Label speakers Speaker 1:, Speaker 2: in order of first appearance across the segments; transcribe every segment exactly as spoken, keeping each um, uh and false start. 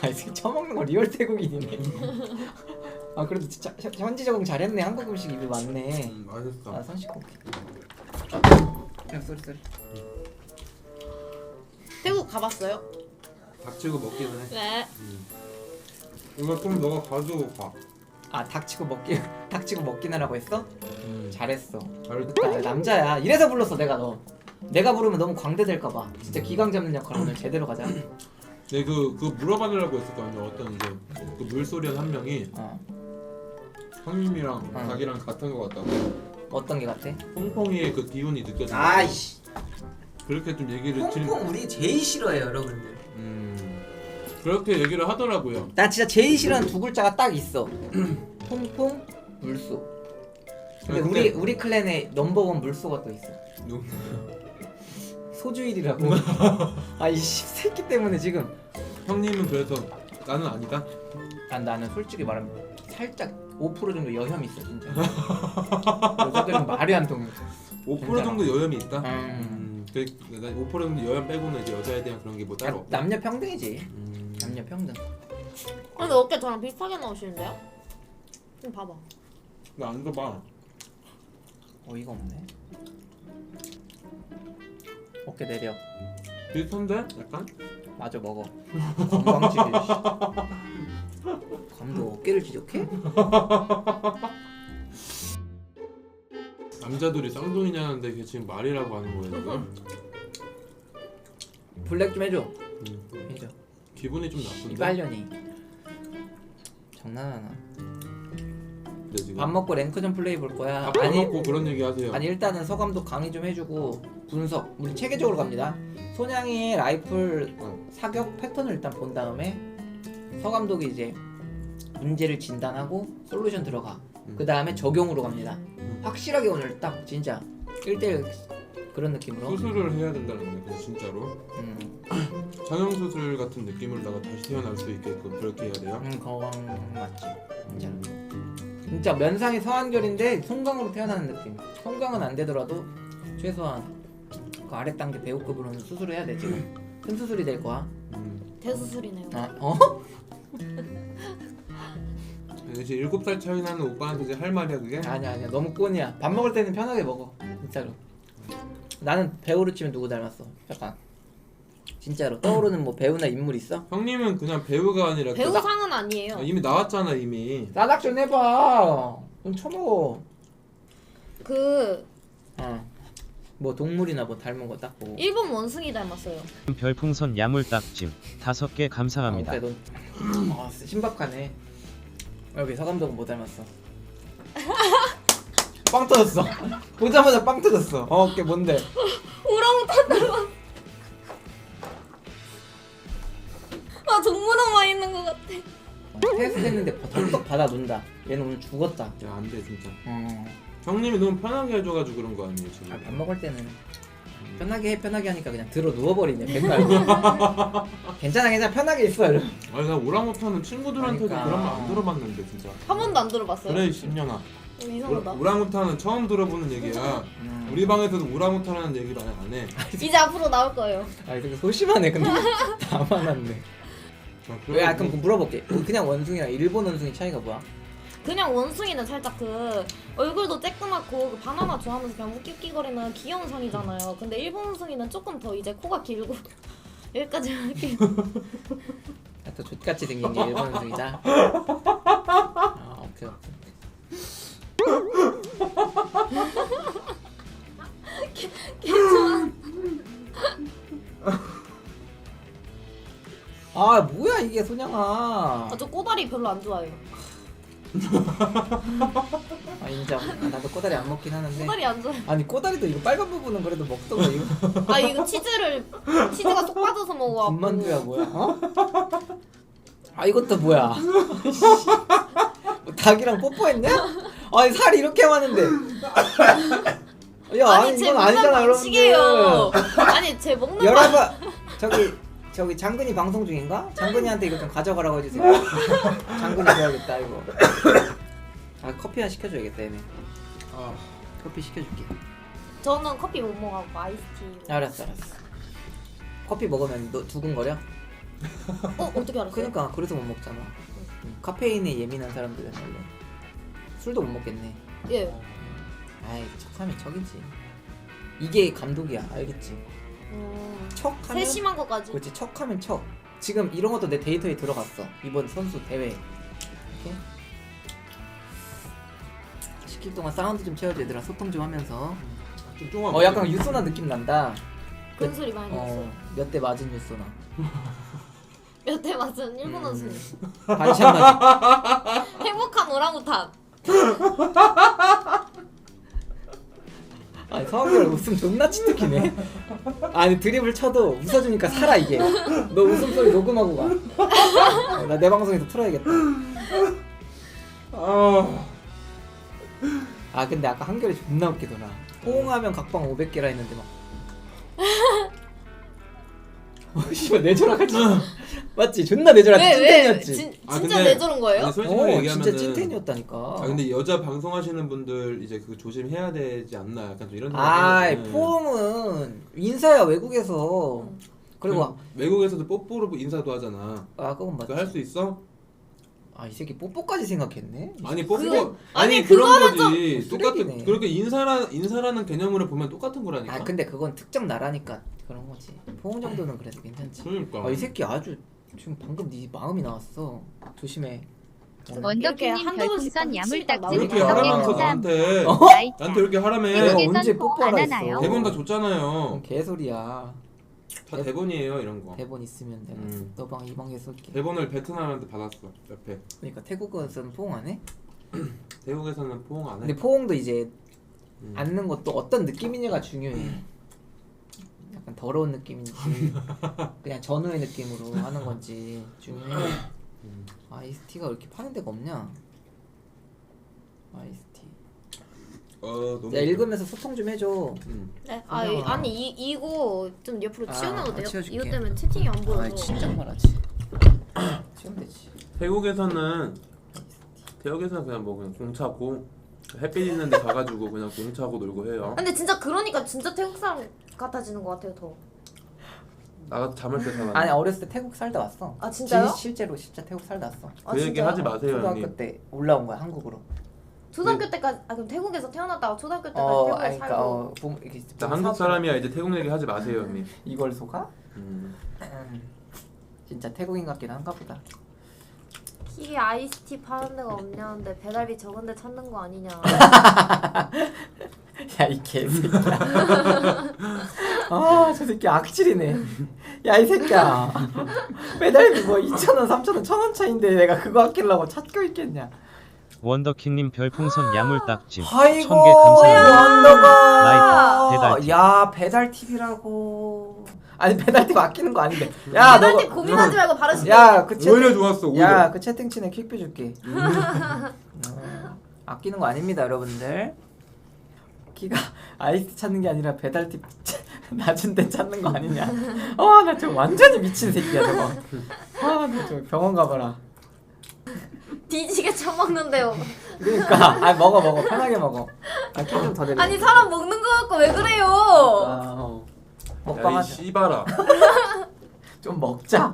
Speaker 1: 아, 이 새끼 처먹는 거 리얼 태국인이네. 아 그래도 진짜 현- 현지 적응 잘했네. 한국 음식 입에 맞네.
Speaker 2: 음, 맛있어.
Speaker 1: 아 선식 오케이. 야 쏘리 쏘리.
Speaker 3: 태국 가봤어요?
Speaker 2: 닥치고 먹기는 해.
Speaker 3: 네.
Speaker 2: 음. 이거 좀 너가 가지고 가.
Speaker 1: 아 닥치고 먹기 닥치고 먹긴 하라고 했어?
Speaker 2: 음.
Speaker 1: 잘했어.
Speaker 2: 잘했다.
Speaker 1: 나 남자야. 이래서 불렀어 내가 너. 내가 부르면 너무 광대될까봐. 진짜 기강 잡는 역할 오늘 제대로 가자.
Speaker 2: 네, 그, 그 물어봐달라고 했었거든요. 어떤 이제 그 물소리한 한 명이
Speaker 1: 어
Speaker 2: 형님이랑
Speaker 1: 어.
Speaker 2: 자기랑 같은 거 같다고.
Speaker 1: 어떤 게 같아?
Speaker 2: 퐁퐁이의 그 기운이 느껴진다.
Speaker 1: 아이씨.
Speaker 2: 그렇게 좀 얘기를 질.
Speaker 1: 퐁퐁 우리 제일 싫어해요 여러분들.
Speaker 2: 음. 그렇게 얘기를 하더라고요.
Speaker 1: 나 진짜 제일 싫어하는 두 글자가 딱 있어. 퐁퐁 물소. 근데
Speaker 2: 근데-
Speaker 1: 우리 우리 클랜에 넘버원 물소가 또 있어.
Speaker 2: 누-
Speaker 1: 소주일이라고. 아이 새끼 때문에 지금.
Speaker 2: 형님은 그래서 나는 아니다.
Speaker 1: 난 나는 솔직히 말하면 살짝 오 퍼센트 정도 여혐 있어 진짜. 여자들은 말이 안 통해.
Speaker 2: 오 퍼센트 정도 여염이 있다.
Speaker 1: 음.
Speaker 2: 음. 그, 오 퍼센트 정도 여염 빼고는 이제 여자에 대한 그런 게 뭐 따로 없다.
Speaker 1: 남녀 평등이지.
Speaker 2: 음.
Speaker 1: 남녀 평등.
Speaker 3: 근데 어깨 저랑 비슷하게 나오시는데요? 좀 봐봐.
Speaker 2: 나 안 줘봐.
Speaker 1: 어이가 없네. 어깨 내려.
Speaker 2: 비슷한데? 약간?
Speaker 1: 마저 먹어. 건방지게. 감도 어깨를 지적해?
Speaker 2: 남자들이 쌍둥이냐는데 그게 지금 말이라고 하는 거예요 지금?
Speaker 1: 블랙 좀 해줘.
Speaker 2: 음.
Speaker 1: 해줘.
Speaker 2: 기분이 좀 나쁜데?
Speaker 1: 이발년이. 장난하나?
Speaker 2: 근데 지금
Speaker 1: 밥 먹고 랭크전 플레이 볼 거야.
Speaker 2: 밥
Speaker 1: 아니
Speaker 2: 먹고 그런 얘기 하세요.
Speaker 1: 아니 일단은 서감독 강의 좀 해주고 분석. 우리 체계적으로 갑니다. 소냥이의 라이플
Speaker 2: 어.
Speaker 1: 사격 패턴을 일단 본 다음에 서감독이 이제 문제를 진단하고 솔루션 들어가.
Speaker 2: 음.
Speaker 1: 그 다음에 적용으로 갑니다.
Speaker 2: 음.
Speaker 1: 확실하게 오늘 딱 진짜 일 대일 그런 느낌으로.
Speaker 2: 수술을 해야 된다는 거네 그냥 진짜로.
Speaker 1: 음,
Speaker 2: 성형수술 같은 느낌으로다가 다시 태어날 수 있게끔 그렇게 해야 돼요?
Speaker 1: 음 그건 맞지. 진짜. 진짜 면상이 서한결인데 송강으로 태어나는 느낌. 송강은 안 되더라도 최소한 그 아래 단계 배우급으로는 수술을 해야 돼 지금. 큰 수술이 될 거야.
Speaker 2: 음.
Speaker 3: 대수술이네요.
Speaker 1: 아, 어?
Speaker 2: 이제 일곱 살 차이 나는 오빠한테 이제 할 말이야 그게?
Speaker 1: 아니야 아니야 너무 꼰이야. 밥 먹을 때는 편하게 먹어 진짜로. 나는 배우로 치면 누구 닮았어? 잠깐. 진짜로 떠오르는 뭐 배우나 인물 있어?
Speaker 2: 형님은 그냥 배우가 아니라 그-
Speaker 3: 배우상은 아니에요.
Speaker 2: 아, 이미 나왔잖아 이미.
Speaker 1: 나락 좀 해봐. 좀 쳐먹어.
Speaker 3: 그
Speaker 1: 어. 뭐 동물이나 뭐 닮은 거 딱 보고.
Speaker 3: 일본 원숭이 닮았어요.
Speaker 4: 별풍선 야물딱짐 다섯 개 감사합니다.
Speaker 1: 아, 넌 아, 신박하네. 여기 서감독은 뭐 닮았어? 빵 터졌어. 보자마자 빵 터졌어. 어, 어깨 뭔데?
Speaker 3: 오랑우탄 닮았어. 아 동물원만 있는 것 같아.
Speaker 1: 테스트 했는데 덜떡 받아 놓는다. 얘는 오늘 죽었다.
Speaker 2: 야 안 돼 진짜.
Speaker 1: 어.
Speaker 2: 형님이 너무 편하게 해줘가지고 그런 거 아니에요 지금?
Speaker 1: 아, 밥 먹을 때는 편하게 해 편하게 하니까 그냥 들어 누워버리네 맨날. 괜찮아 괜찮아 편하게 있어 이러면.
Speaker 2: 아니 나 오랑우탄은 친구들한테도
Speaker 1: 그러니까.
Speaker 2: 그런 말 안 들어봤는데 진짜.
Speaker 3: 한 번도 안 들어봤어요?
Speaker 2: 그래 십년아.
Speaker 3: 어, 이상하다.
Speaker 2: 오랑우탄은 처음 들어보는 얘기야.
Speaker 1: 음.
Speaker 2: 우리 방에서도 오랑우탄이라는 얘기를 아예 안 해.
Speaker 3: 이제 앞으로 나올 거예요.
Speaker 1: 아 되게 소심하네 근데. 다 많았네.
Speaker 2: 아,
Speaker 1: 왜 아 그럼 물어볼게. 그냥 원숭이랑 일본 원숭이 차이가 뭐야?
Speaker 3: 그냥 원숭이는 살짝 그 얼굴도 쬐끄맣고 그 바나나 좋아하면서 그냥 웃기웃기거리는 귀여운 상이잖아요. 근데 일본 원숭이는 조금 더 이제 코가 길고 여기까지 이렇게
Speaker 1: 또 족같이 생긴 게 일본 원숭이다. 아 오케이 오케이.
Speaker 3: 괜찮아.
Speaker 1: 아 뭐야 이게 소냥아.
Speaker 3: 아, 저 꼬다리 별로 안 좋아해요.
Speaker 1: 아 인정. 아, 나도 꼬다리 안 먹긴 하는데.
Speaker 3: 꼬다리 안 좋아해.
Speaker 1: 아니 꼬다리도 이거 빨간 부분은 그래도 먹던 거 이거.
Speaker 3: 아 이거 치즈를 치즈가 쏙 빠져서 먹어갖고.
Speaker 1: 군만두야 뭐야? 어? 아 이것도 뭐야? 뭐 닭이랑 뽀뽀했냐? 아니 살이 이렇게 많은데. 야 아니,
Speaker 3: 아니 제
Speaker 1: 이건
Speaker 3: 먹는
Speaker 1: 아니잖아
Speaker 3: 방식이에요.
Speaker 1: 여러분들.
Speaker 3: 아니 제 먹는 방
Speaker 1: 여러분 저기 저기 장근이 방송 중인가? 장근이한테 이거 좀 가져가라고 해주세요. 장근이 줘야겠다 이거. 아 커피 하나 시켜줘야겠다 얘네.
Speaker 2: 아,
Speaker 1: 커피 시켜줄게.
Speaker 3: 저는 커피 못 먹어갖고 아이스티.
Speaker 1: 알았어 알았어. 커피 먹으면 너 두근거려?
Speaker 3: 어 어떻게 알았어요?
Speaker 1: 그러니까 그래서 못 먹잖아. 음, 카페인에 예민한 사람들은 원래 술도 못 먹겠네.
Speaker 3: 예.
Speaker 1: 아이 척하면 척이지. 이게 감독이야, 알겠지?
Speaker 3: 음,
Speaker 1: 척하면
Speaker 3: 세심한 것까지.
Speaker 1: 그렇지, 척하면 척. 지금 이런 것도 내 데이터에 들어갔어. 이번 선수 대회. 이렇게 십 킬 동안 사운드 좀 채워줘 얘들아. 소통 좀 하면서.
Speaker 2: 좀 조금
Speaker 1: 어 약간 유소나 느낌 난다.
Speaker 3: 그런 소리 많이 들었어요.
Speaker 1: 어 몇 대 맞은 유소나.
Speaker 3: 몇 대 맞은 일본
Speaker 1: 음.
Speaker 3: 원숭이.
Speaker 1: 반샷 맞은.
Speaker 3: 행복한 오랑우탄.
Speaker 1: 아니 성한결 웃음 존나 치트키네. 아니 드립을 쳐도 웃어주니까 살아 이게. 너 웃음소리 녹음하고 가. 어, 나 내 방송에서 틀어야겠다.
Speaker 2: 아,
Speaker 1: 아 근데 아까 한결이 존나 웃기더라. 호응하면 각방 오백 개라 했는데 막 어 씨발 내조락하지. 맞지? 존나 내조락
Speaker 3: 왜 왜?
Speaker 1: 찐텐이었지.
Speaker 3: 진
Speaker 2: 아,
Speaker 3: 진짜
Speaker 2: 근데-
Speaker 3: 내저런 거예요?
Speaker 2: 아니, 솔직히
Speaker 1: 어
Speaker 2: 얘기하면은
Speaker 1: 진짜 찐텐이었다니까.
Speaker 2: 아 근데 여자 방송하시는 분들 이제 그 조심해야 되지 않나 약간 좀 이런
Speaker 1: 아이
Speaker 2: 생각이
Speaker 1: 포옹은 인사야 외국에서.
Speaker 3: 음.
Speaker 1: 그리고
Speaker 2: 외국에서도 뽀뽀로 인사도 하잖아.
Speaker 1: 아 그건 맞지.
Speaker 2: 그거 할 수 있어?
Speaker 1: 아 이 새끼 뽀뽀까지 생각했네.
Speaker 2: 아니 뽀뽀
Speaker 3: 그-
Speaker 2: 아니,
Speaker 3: 아니,
Speaker 2: 그런
Speaker 3: 그거는
Speaker 2: 거지.
Speaker 1: 좀
Speaker 2: 똑같은
Speaker 1: 쓰레기네.
Speaker 2: 그렇게 인사라 인사라는 개념으로 보면 똑같은 거라니까.
Speaker 1: 아 근데 그건 특정 나라니까 그런 거지. 포옹 정도는 그래도 괜찮지.
Speaker 2: 그러니까.
Speaker 1: 아 이 새끼 아주 지금 방금 네 마음이 나왔어. 조심해. 어.
Speaker 5: 원더키님
Speaker 3: 한두 번씩
Speaker 5: 별풍선
Speaker 3: 딱
Speaker 5: 야물딱지
Speaker 2: 이렇게
Speaker 5: 다섯 개
Speaker 2: 하라면서
Speaker 5: 감사합니다.
Speaker 2: 나한테
Speaker 1: 어?
Speaker 5: 나이차.
Speaker 2: 나한테 이렇게
Speaker 1: 내가
Speaker 2: 하라며.
Speaker 5: 태국에선
Speaker 1: 언제
Speaker 5: 포
Speaker 1: 뽀뽀하라
Speaker 5: 안
Speaker 1: 했어.
Speaker 5: 하나요?
Speaker 2: 대본 다
Speaker 1: 그건
Speaker 2: 줬잖아요.
Speaker 1: 개소리야.
Speaker 2: 다 대본이에요 이런 거.
Speaker 1: 대본 있으면 내가
Speaker 2: 음.
Speaker 1: 너방 이방에 쏠게.
Speaker 2: 대본을 베트남한테 받았어 옆에.
Speaker 1: 그러니까 태국에서는 포옹 안 해?
Speaker 2: 태국에서는 포옹 안 해.
Speaker 1: 근데 포옹도 이제
Speaker 2: 음.
Speaker 1: 앉는 것도 어떤 느낌이냐가 중요해. 약간 더러운 느낌인지 그냥 전우의 느낌으로 하는 건지 중요해.
Speaker 2: 음.
Speaker 1: 아이스티가 왜 이렇게 파는 데가 없냐? 아이스티.
Speaker 2: 어 너무.
Speaker 1: 야 읽으면서 소통 좀 해줘.
Speaker 2: 음.
Speaker 3: 네. 아 이, 아니 이 이거 좀 옆으로
Speaker 1: 아,
Speaker 3: 치워놔도
Speaker 1: 아,
Speaker 3: 돼요?
Speaker 1: 치워줄게.
Speaker 3: 이것 때문에 채팅이 안 보여서.
Speaker 1: 아 진짜 말하지. 지금 되지.
Speaker 2: 태국에서는 태국에서는 그냥 뭐 그냥 공차고 햇빛 있는데 가가지고 그냥 공차고 놀고 해요.
Speaker 3: 근데 진짜 그러니까 진짜 태국 사람 같아지는 것 같아요 더.
Speaker 2: 나가 잠을 때 살아.
Speaker 1: 아니 어렸을 때 태국 살다 왔어.
Speaker 3: 아 진짜요?
Speaker 1: 진, 실제로 진짜 태국 살다 왔어.
Speaker 3: 아,
Speaker 2: 그 얘기
Speaker 3: 진짜요?
Speaker 2: 하지 마세요
Speaker 1: 초등학교
Speaker 2: 형님.
Speaker 1: 때 올라온 거야 한국으로.
Speaker 3: 초등학교 때까지 아 그럼 태국에서 태어났다가 초등학교 때까지
Speaker 1: 어,
Speaker 3: 태국에
Speaker 1: 아니,
Speaker 3: 살고.
Speaker 1: 그러니까 어, 부모, 이게
Speaker 2: 나 한국 사람이야 이제 태국 얘기 하지 마세요 형님.
Speaker 1: 이걸 속아?
Speaker 2: 음.
Speaker 1: 음, 진짜 태국인 같긴 한가 보다.
Speaker 3: 키 아이스티 파는 데가 없냐는데 배달비 적은데 찾는 거 아니냐.
Speaker 1: 야 이 개새끼야. 아저 새끼 악질이네. 야 이 새끼야. 배달비 뭐 이천 원, 삼천 원, 천 원 차인데 내가 그거 아끼려고 찾고 있겠냐.
Speaker 4: 원더킹님 별풍선 야물딱지
Speaker 1: 아이고
Speaker 4: 천 개 감사합니다.
Speaker 1: 원더가.
Speaker 4: 라이트, 배달팁.
Speaker 1: 야 배달팁이라고. 아니 배달팁 아끼는 거 아닌데. 야 너.
Speaker 3: 배달비 고민하지 말고 바로 시켜.
Speaker 1: 야그 채팅.
Speaker 2: 오히려 좋았어 오히려.
Speaker 1: 야그 채팅친에 퀵뷰 줄게. 어, 아끼는 거 아닙니다 여러분들. 키가 아이스 찾는 게 아니라 배달팁 낮은 데 찾는 거 아니냐. 아나 저 완전히 미친 새끼야 저거. 아나 저 병원 가봐라.
Speaker 3: 뒤지게 처먹는데요.
Speaker 1: 그러니까 아 먹어 먹어 편하게 먹어. 아키좀더 내려.
Speaker 3: 아니 사람 먹는 거 갖고 왜 그래요?
Speaker 1: 아, 어. 먹방
Speaker 2: 야이
Speaker 1: 하자.
Speaker 2: 씨발아.
Speaker 1: 좀 먹자.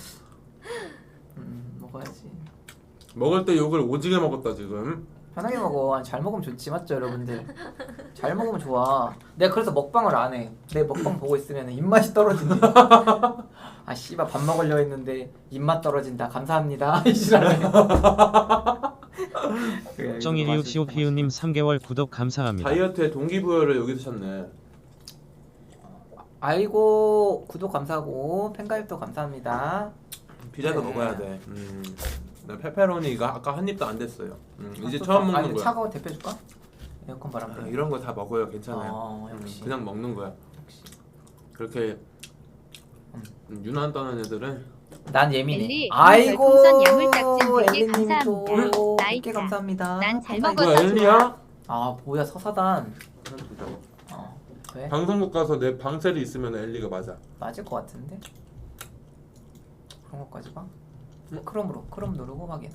Speaker 1: 음 먹어야지.
Speaker 2: 먹을 때 욕을 오지게 먹었다 지금.
Speaker 1: 편하게 먹어. 아니, 잘 먹으면 좋지 맞죠 여러분들? 잘 먹으면 좋아. 내가 그래서 먹방을 안 해. 내 먹방 보고 있으면 입맛이 떨어진대. 아 씨발 밥 먹으려 했는데 입맛 떨어진다. 감사합니다. 이시라네.
Speaker 4: 정일이우 시오피우님 삼 개월 구독 감사합니다.
Speaker 2: 다이어트에 동기부여를 여기서 찾네.
Speaker 1: 아이고 구독 감사하고 팬가입도 감사합니다.
Speaker 2: 피자도
Speaker 1: 네.
Speaker 2: 먹어야 돼. 음. 나 페페로니가 아까 한 입도 안 됐어요. 음, 이제
Speaker 1: 아,
Speaker 2: 처음
Speaker 1: 또-
Speaker 2: 먹는
Speaker 1: 아니,
Speaker 2: 거야.
Speaker 1: 차가워 대표 줄까? 에어컨 바람
Speaker 2: 아,
Speaker 1: 때문에.
Speaker 2: 이런 거 다 먹어요. 괜찮아요.
Speaker 1: 어,
Speaker 2: 음,
Speaker 1: 역시.
Speaker 2: 그냥 먹는 거야.
Speaker 1: 역시.
Speaker 2: 그렇게
Speaker 1: 음.
Speaker 2: 음, 유난 떠는 애들은
Speaker 1: 난 예민해.
Speaker 5: 엘리,
Speaker 1: 아이고
Speaker 5: 별풍선 야물딱지 백 개
Speaker 1: 엘리님 또
Speaker 5: 감사합니다.
Speaker 1: 백 개
Speaker 5: 나이차.
Speaker 1: 감사합니다.
Speaker 5: 난잘
Speaker 1: 감사합니다.
Speaker 5: 먹었다.
Speaker 2: 뭐야 엘리야?
Speaker 1: 아 뭐야 서사단. 어 왜?
Speaker 2: 방송국 가서 내 방셀이 있으면 엘리가 맞아.
Speaker 1: 맞을 것 같은데. 그런 것까지 봐. 크롬으로 크롬 누르고 확인.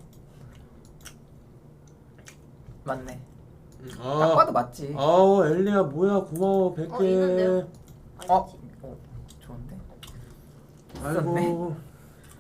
Speaker 1: 맞네. 딱
Speaker 2: 아,
Speaker 1: 봐도 맞지.
Speaker 2: 아우 엘리야 뭐야 고마워 백 개.
Speaker 3: 어, 있는데요?
Speaker 1: 어? 어 좋은데.
Speaker 2: 아이고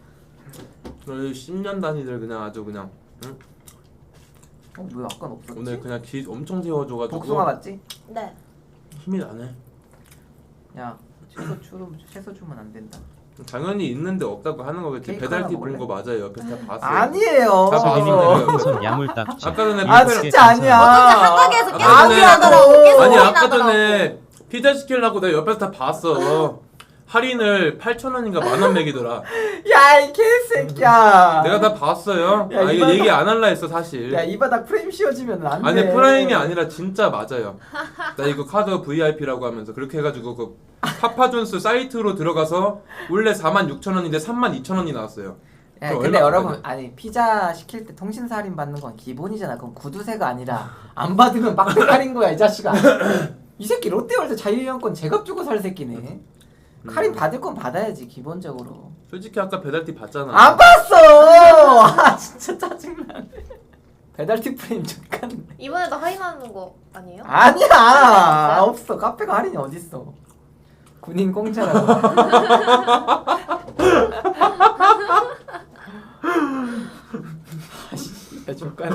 Speaker 2: 십 년 단위들 그냥 아주 그냥 응?
Speaker 1: 어 뭐야 아까는 없었지?
Speaker 2: 오늘 그냥 기 엄청 세워줘가지고
Speaker 1: 복숭아 같지?
Speaker 3: 네.
Speaker 2: 힘이 나네.
Speaker 1: 야 채소 주면 채소 주면 안 된다.
Speaker 2: 당연히 있는데 없다고 하는 거겠지.
Speaker 1: 케이크
Speaker 2: 배달티
Speaker 1: 하나
Speaker 2: 본 거 맞아요. 옆에서 다 봤어요.
Speaker 1: 아니에요.
Speaker 2: 다 봤는데.
Speaker 4: 풍선 야물딱지.
Speaker 2: 아까 전에
Speaker 1: 아
Speaker 2: 뷔페-
Speaker 1: 진짜 아니야.
Speaker 3: 한가게에서
Speaker 2: 아까
Speaker 3: 계속
Speaker 2: 전에-
Speaker 3: 소리 나더라고. 계속
Speaker 2: 아니
Speaker 3: 소리
Speaker 2: 아까
Speaker 3: 나더라고.
Speaker 2: 전에 피자 시키려고 내가 옆에서 다 봤어. 할인을 팔천 원인가 만 원 매기더라.
Speaker 1: 야 이 개새끼야.
Speaker 2: 내가 다 봤어요.
Speaker 1: 야,
Speaker 2: 아 이거
Speaker 1: 이거
Speaker 2: 얘기 안 할라 했어 사실.
Speaker 1: 야 이 바닥 프레임 씌워지면 안 돼.
Speaker 2: 아니 프라임이 아니라 진짜 맞아요. 나 이거 카드 브이아이피라고 하면서 그렇게 해가지고 그 파파존스 사이트로 들어가서 원래 사만 육천 원인데 삼만 이천 원이 나왔어요.
Speaker 1: 야,
Speaker 2: 그럼
Speaker 1: 근데
Speaker 2: 얼마
Speaker 1: 여러분
Speaker 2: 받아야
Speaker 1: 아니 피자 시킬 때 통신사 할인 받는 건 기본이잖아. 그럼 구두쇠가 아니라 안 받으면 빡대 할인 거야 이 자식아. 이 새끼 롯데월드 자유이용권 제값 주고 살 새끼네.
Speaker 2: 음.
Speaker 1: 할인 받을 건 받아야지 기본적으로.
Speaker 2: 솔직히 아까 배달티 봤잖아.
Speaker 1: 안 봤어. 아 진짜 짜증나. 배달티 프레임 족같네.
Speaker 3: 이번에도 할인하는 거 아니에요?
Speaker 1: 아니야 없어. 카페가 할인이 어딨어. 군인 공짜라고. 야 족같네.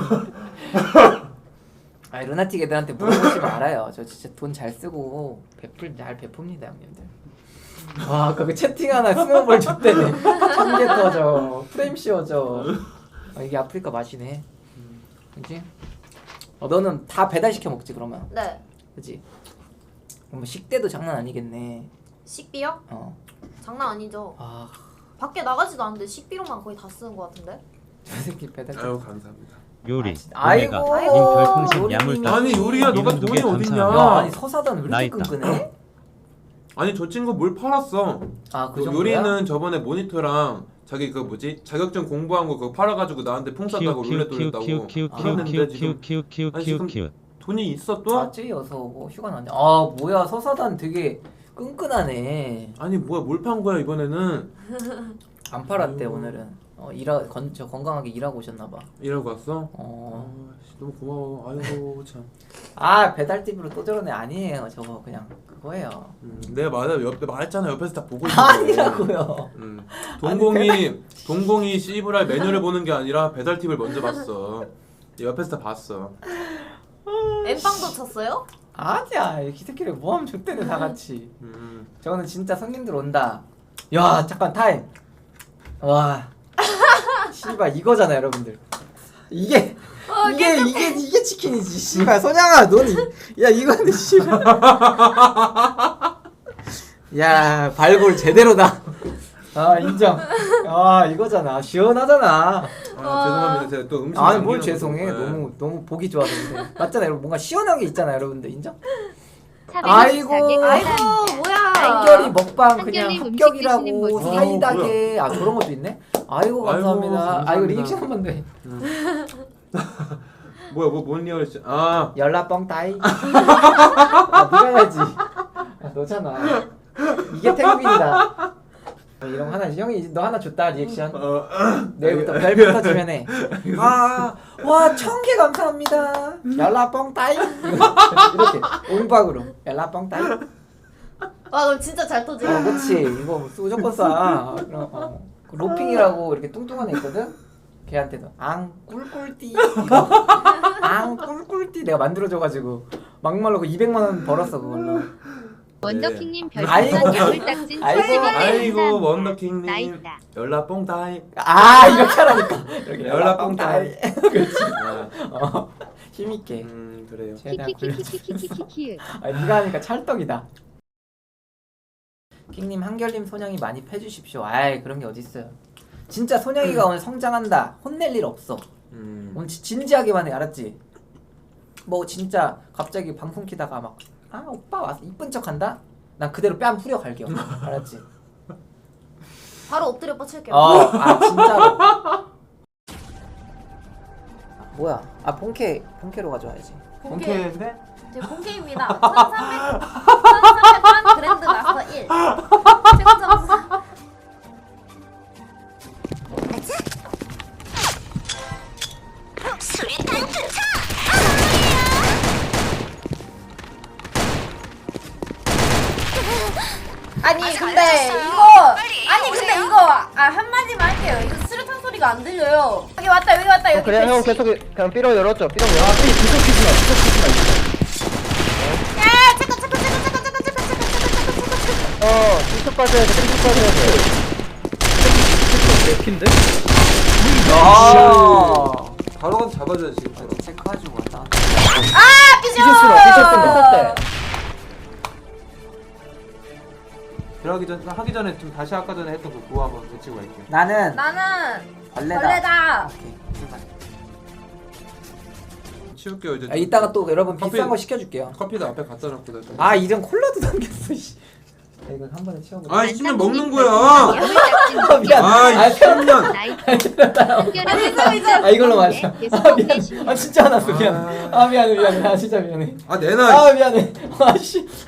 Speaker 1: 아 루나틱 애들한테 물어보지 말아요. 저 진짜 돈 잘 쓰고 베풀 잘 베풉니다 형님들. 와 아까 그 채팅 하나 스노볼 줬대네. 천개 터져. 프레임 씌워져. 아, 이게 아프리카 맛이네. 그치? 어, 너는 다 배달시켜 먹지 그러면?
Speaker 3: 네.
Speaker 1: 그치? 그럼 식대도 장난 아니겠네.
Speaker 3: 식비요?
Speaker 1: 어.
Speaker 3: 장난 아니죠.
Speaker 1: 아,
Speaker 3: 밖에 나가지도 않는데 식비로만 거의 다 쓰는 것 같은데?
Speaker 1: 저 새끼 배달.
Speaker 2: 아유 감사합니다.
Speaker 4: 요리.
Speaker 1: 아이고.
Speaker 4: 오메가. 님
Speaker 3: 아이고.
Speaker 4: 별풍선
Speaker 1: 요리님이-
Speaker 4: 야물딱지.
Speaker 2: 아니 요리야 너가
Speaker 4: 이름 두
Speaker 2: 돈이
Speaker 4: 개
Speaker 2: 어딨냐?
Speaker 1: 야
Speaker 4: 감사합니다.
Speaker 1: 아니 서사단 왜
Speaker 4: 나
Speaker 1: 이렇게
Speaker 4: 있다.
Speaker 1: 끈끈해?
Speaker 2: 아니 저 친구 뭘 팔았어?
Speaker 1: 아 그
Speaker 2: 그
Speaker 1: 정도야?
Speaker 2: 요리는 저번에 모니터랑 자기 그 뭐지 자격증 공부한 거 그거 팔아가지고 나한테 풍 쐈다고 룰렛 돌렸다고 팔았는데 지금 아니, 지금
Speaker 4: 키우키우키우키우키우키우키우.
Speaker 2: 돈이 있어 또?
Speaker 1: 아 쯔여서 뭐 휴가 나왔네. 아 뭐야 서사단 되게 끈끈하네.
Speaker 2: 아니 뭐야 뭘 판 거야 이번에는?
Speaker 1: 안 팔았대
Speaker 2: 아이고.
Speaker 1: 오늘은. 어 일하 건, 저 건강하게 일하고 오셨나 봐.
Speaker 2: 이러고 왔어?
Speaker 1: 어.
Speaker 2: 아, 씨, 너무 고마워. 아이고 참.
Speaker 1: 아 배달팁으로 또 저러네. 아니에요 저거 그냥 그거예요.
Speaker 2: 음, 내가 말해 옆에 말했잖아 옆에서 다 보고 있어.
Speaker 1: 아니라고요.
Speaker 2: 음. 동공이 동공이 씨브랄 메뉴를 보는 게 아니라 배달 팁을 먼저 봤어. 옆에서 다 봤어.
Speaker 3: 엠빵도 쳤어요?
Speaker 1: 아니야 이 새끼를 뭐하면 좋대네 다 같이.
Speaker 2: 음.
Speaker 1: 저거는 진짜 손님들 온다. 야 잠깐 타임. 와. 씨발 이거잖아 여러분들. 이게
Speaker 3: 어,
Speaker 1: 이게 이게 이게 치킨이지. 씨발 소냥아 너는 이- 야 이거는 씨발. 야 발골 제대로다. 아 인정. 아 이거잖아. 시원하잖아.
Speaker 2: 아, 죄송합니다. 제가 또 음식
Speaker 1: 아니 뭘
Speaker 2: 남기는
Speaker 1: 죄송해.
Speaker 2: 거. 네.
Speaker 1: 너무 너무 보기 좋아서인데. 맞잖아 여러분. 뭔가 시원한 게 있잖아 여러분들. 인정?
Speaker 5: 아이고,
Speaker 1: 아이고.
Speaker 3: 아이고 뭐야?
Speaker 1: 한결이 먹방 그냥
Speaker 5: 한결님 음식
Speaker 1: 합격이라고
Speaker 5: 드시는 모습.
Speaker 1: 사이다게 아 저런 것도 있네? 아이고 감사합니다.
Speaker 2: 아이고,
Speaker 1: 아이고
Speaker 2: 감사합니다.
Speaker 1: 리액션 한 번 더 해.
Speaker 2: 뭐야 뭐뭔 리얼이지? 아
Speaker 1: 연락뻥 따이. 아 네가 해야지. 아, 너잖아. 이게 태국인이다. 아, 이런 거 하나 형이 너 하나 줬다 리액션.
Speaker 2: 어,
Speaker 1: 내일부터 별부터 주면 해. 아와 천 개 감사합니다. 연락뻥 따이. 이렇게 옹박으로 연락뻥 따이.
Speaker 3: 와 그럼 진짜 잘 터지네.
Speaker 1: 어, 그치. 이거 무조건 싸. 그럼, 어. 그 로핑이라고 이렇게 뚱뚱한 애 있거든? 걔한테도 앙 꿀꿀띠 이거 앙 꿀꿀띠 내가 만들어줘가지고 막말로 그 이백만 원 벌었어 그걸로.
Speaker 5: 원더킹님
Speaker 1: 아이고.
Speaker 5: 별풍선 야물딱진
Speaker 1: 아이고.
Speaker 5: 칠십 원
Speaker 2: 아이고
Speaker 5: 감사합니다.
Speaker 2: 원더킹님
Speaker 5: 나있다.
Speaker 2: 연락 뽕다이.
Speaker 1: 아 이렇게 하라니까. 이렇게
Speaker 2: 연락 뽕따이.
Speaker 1: 그렇지.
Speaker 2: 아,
Speaker 1: 어, 힘있게.
Speaker 2: 음 그래요.
Speaker 1: 최대한 굴려.
Speaker 5: 키키키키키키키키키.
Speaker 1: 아 네가 하니까 찰떡이다. 킹님 한결님 소냥이 많이 패주십시오. 아이 그런 게 어딨어요. 진짜 소냥이가 오늘 성장한다. 혼낼 일 없어.
Speaker 2: 음.
Speaker 1: 오늘 지- 진지하게만 해 알았지? 뭐 진짜 갑자기 방송 키다가 막 아 오빠 와서 이쁜 척한다? 난 그대로 뺨 후려 갈겨. 알았지?
Speaker 3: 바로 엎드려 뻗칠게요.
Speaker 1: 어, 아 진짜로. 뭐야? 아 본캐 본캐로 가져와야지.
Speaker 3: 본캐.
Speaker 2: 그래?
Speaker 3: 제 본캐입니다. 천삼백 천삼백 그랜드 마스터 일. 최고 점수. 아니 근데 이거 아니 근데 이거 아 한마디만 할게요. 이거 수류탄 소리
Speaker 6: 소리가 안 들려요. 여기 왔다 여기 왔다 여기.
Speaker 7: 그냥 형
Speaker 6: 배치.
Speaker 7: 계속 그냥 삐로 열었죠. 삐로 열었죠.
Speaker 1: 아, 삐 계속 키지마, 계속 키지마.
Speaker 6: 야 잠깐 잠깐 잠깐 잠깐 잠깐 잠깐 잠깐 잠깐 잠깐.
Speaker 7: 어, 삐쪽 빠져야 돼. 삐쪽 빠져야 돼.
Speaker 1: 핀데?
Speaker 2: 아 바로 가서 잡아줘야지 지금 바로.
Speaker 1: 체크해주고 왔다.
Speaker 6: 아 삐져.
Speaker 7: 삐쳤어. 삐쳤어. 삐쳤대.
Speaker 2: 들어가기 전 하기 전에 좀 다시 아까 전에 했던 그 구호 한번 외치고 갈게요.
Speaker 1: 나는
Speaker 6: 나는
Speaker 1: 벌레다.
Speaker 6: 벌레다.
Speaker 1: 오케이, 출발.
Speaker 2: 치울게요 이제.
Speaker 1: 아, 이따가 또 여러분
Speaker 2: 커피-
Speaker 1: 비싼 거 시켜줄게요.
Speaker 2: 커피도 앞에 갖다 놓고 나.
Speaker 1: 아, 이름 콜라도 담겼어. 씨. 야, 이거 한 번에 치워보자.
Speaker 2: 아 씨면 먹는 거야.
Speaker 1: 아, 미안.
Speaker 2: 아
Speaker 1: 아,
Speaker 2: 이 십년.
Speaker 1: 아, 이걸로 마셔. 아, 미안. 아, 진짜 화났어. 미안.
Speaker 2: 아.
Speaker 1: 아, 미안해, 미안해. 아, 진짜 미안해.
Speaker 2: 아 내놔.
Speaker 1: 아, 미안해. 아, 씨.